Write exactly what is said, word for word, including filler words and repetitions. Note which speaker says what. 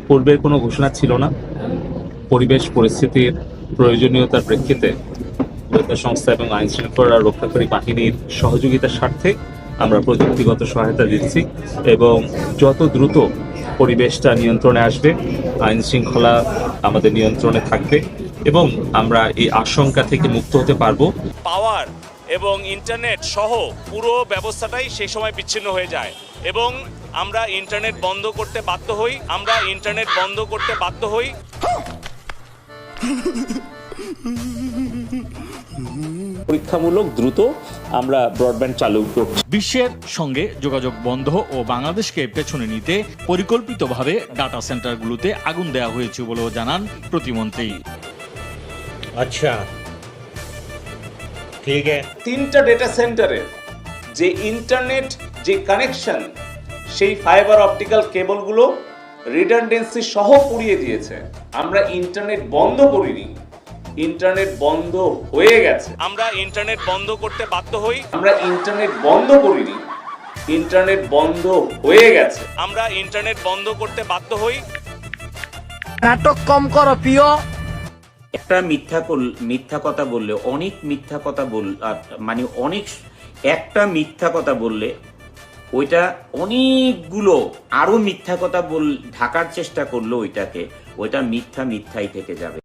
Speaker 1: পূর্বের কোনো ঘোষণা ছিল না। পরিবেশ পরিস্থিতির প্রয়োজনীয়তার প্রেক্ষিতে গোয়েন্দা সংস্থা এবং আইন শৃঙ্খলা রক্ষাকারী বাহিনীর সহযোগিতার স্বার্থে আমরা প্রযুক্তিগত সহায়তা দিচ্ছি এবং যত দ্রুত পরিবেশটা নিয়ন্ত্রণে আসবে, আইন শৃঙ্খলা আমাদের নিয়ন্ত্রণে থাকবে এবং আমরা এই আশঙ্কা থেকে মুক্ত হতে পারবো।
Speaker 2: পাওয়ার এবং ইন্টারনেট সহ পুরো ব্যবস্থাটাই সেই সময় বিচ্ছিন্ন হয়ে যায় এবং আমরা ইন্টারনেট বন্ধ করতে বাধ্য হই আমরা ইন্টারনেট বন্ধ করতে বাধ্য হই
Speaker 1: পরীক্ষামূলক দ্রুত আমরা ব্রডব্যান্ড চালু করছি।
Speaker 3: বিশ্বের সঙ্গে যোগাযোগ বন্ধ ও বাংলাদেশকে পেছনে নিতে পরিকল্পিতভাবে ডাটা সেন্টারগুলোতে আগুন দেওয়া হয়েছে বলেও জানান প্রতিমন্ত্রী।
Speaker 4: আচ্ছা, ঠিক আছে।
Speaker 2: তিনটা ডেটা সেন্টারে যে ইন্টারনেট যে কানেকশন সেই ফাইবার অপটিক্যাল কেবলগুলো রিডান্ডেন্সি সহ পুড়িয়ে দিয়েছে। আমরা ইন্টারনেট বন্ধ করিনি, ইন্টারনেট বন্ধ হয়ে গেছে। আমরা ইন্টারনেট বন্ধ করতে বাধ্য হই আমরা ইন্টারনেট বন্ধ করিনি, ইন্টারনেট বন্ধ হয়ে গেছে। আমরা ইন্টারনেট বন্ধ করতে বাধ্য হই।
Speaker 5: নাটক কম করো প্রিয়।
Speaker 6: একটা মিথ্যা মিথ্যা কথা বললে অনেক মিথ্যা কথা বল মানে অনেক একটা মিথ্যা কথা বললে ওইটা অনেকগুলো আরো মিথ্যা কথা বল ঢাকার চেষ্টা করলো ওইটাকে ওইটা মিথ্যা মিথ্যাই থেকে যাবে।